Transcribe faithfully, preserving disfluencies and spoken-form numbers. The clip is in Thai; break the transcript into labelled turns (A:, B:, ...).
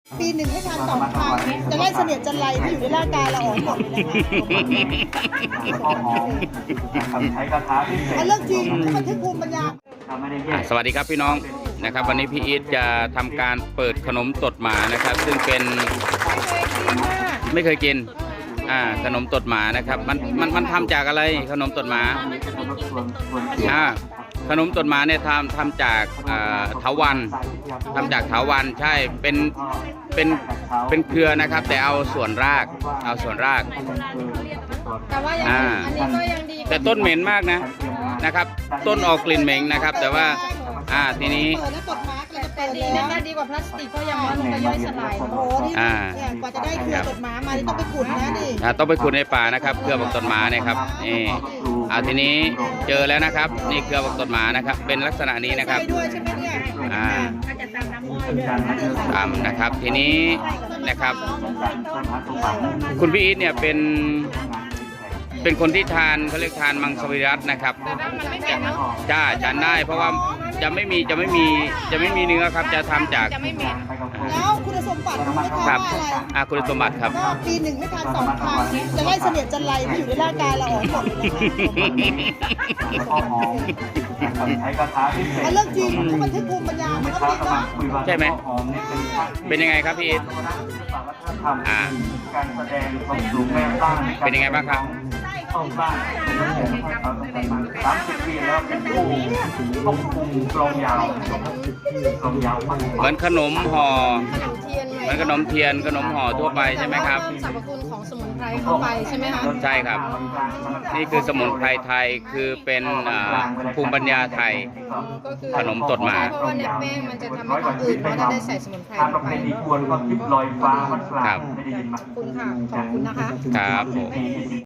A: ปีหนึ่งให้ทานสองครั้งจะไล่เสนียดจันไรที่อยู่ในร่างกายเราออกหมดเลยนะคะอันเรื่องจริงที่มันทึกภูมิปัญญา
B: สวัสดีครับพี่น้องนะครับวันนี้พี่อีทจะทำการเปิดขนมตดหมานะครับซึ่งเป็นไม่เคยกินอ่าขนมตดหมานะครับมันมันมันทำจากอะไรขนมตดหมาอ่าขนมตดหมาเนี่ยทำทำจากอ่าเถาวัลย์ทำจากเถาวัลย์ใช่เป็นเป็นเป็นเครือนะครับแต่เอาส่วนรากเอาส่วนราก
C: แต่ว่ายัง
B: อ่า
C: อันนี้ก็ยังดี
B: แต่ต้นเหม็นมากนะนะครับต้นออกกลิ่นเหม็นนะครับแต่ว่าอ่าทีนี้
A: เปิดแล้วกดมาร์กเลยจะเปิด
C: ดี
A: แล้
C: นะ
A: ว
C: คะดีกว่าพลาสติกเพราะยังมันก็ย่อยสลาย
A: โอ้โหนี่
B: อ่า
A: เนี่ยกว่าจะได้เครือกดม้ามานี่ต้องไปขุดนะนี่
B: อ่าต้องไปขุดในป่านะครับเครือบักตดหมาเนี่ยครับนี่อ่าทีนี้เจอแล้วนะครับนี่เครือบักตดหมานะครับเป็นลักษณะนี้นะครับ
A: ใช่ด้วยใช่ไหมเนี่ย
B: อ่าตามนะครับทีนี้นะครับคุณพี่อีทเนี่ยเป็นเป็นคนที่ทานเขาเรียกทานมังสวิรัตินะครับจ้าทานได้เพราะว่าจะไม่มีจะไม่มีจะไม่มีเนื้อครับจะทำจาก
C: จะไม่เหม็น
A: แล้วคุณสมบัติรู้ไหมคะ
B: ครับ
A: ว่าอะไร
B: อ่าคุณสมบัติครับ
A: ก็ปีหนึ่งให้ทานสองครั้งจะไล่เสนียดจันไรที่อยู่ในร่างกายเราออกหมดเลยนะคะอันเรื่องจริงที่มันทึกภูมิปัญญามันก็จริงเนาะ
B: ใช่ไหมเป็นยังไงครับพี่อีทอ่าเป็นยังไงบ้างครับ
D: สามสิบปีแล้วเป็นผู้ควบคุมกลองยาวกลองยาว
B: เหมือนขนมห่อ
C: ขนมเทียน
B: เหมือนขนมเทียนขนมห่อทั่วไปใช่ไหมครับ
C: เพิ่มสรรพคุณของสมุนไพรเข้าไปใช่ไหมคะ
B: ใช่ครับนี่คือสมุนไพรไทยคือเป็นอ่าภูมิปัญญาไทย
C: ก็คือ
B: ขนมตดหมา
C: เพราะว่าในแป้งมันจะทำให้คนอื่นเพราะได้ใส่สมุนไพร
D: ทาง
C: ล
D: ประ
C: ง
D: เพ
C: ไป
D: ณีทวนก็ทิพย์ลอยฟ้าวัดกลาง
B: ครับ
D: ไม่ได้ยินมา
C: ขอบคุณค่ะขอบคุณนะคะ
B: ครับผม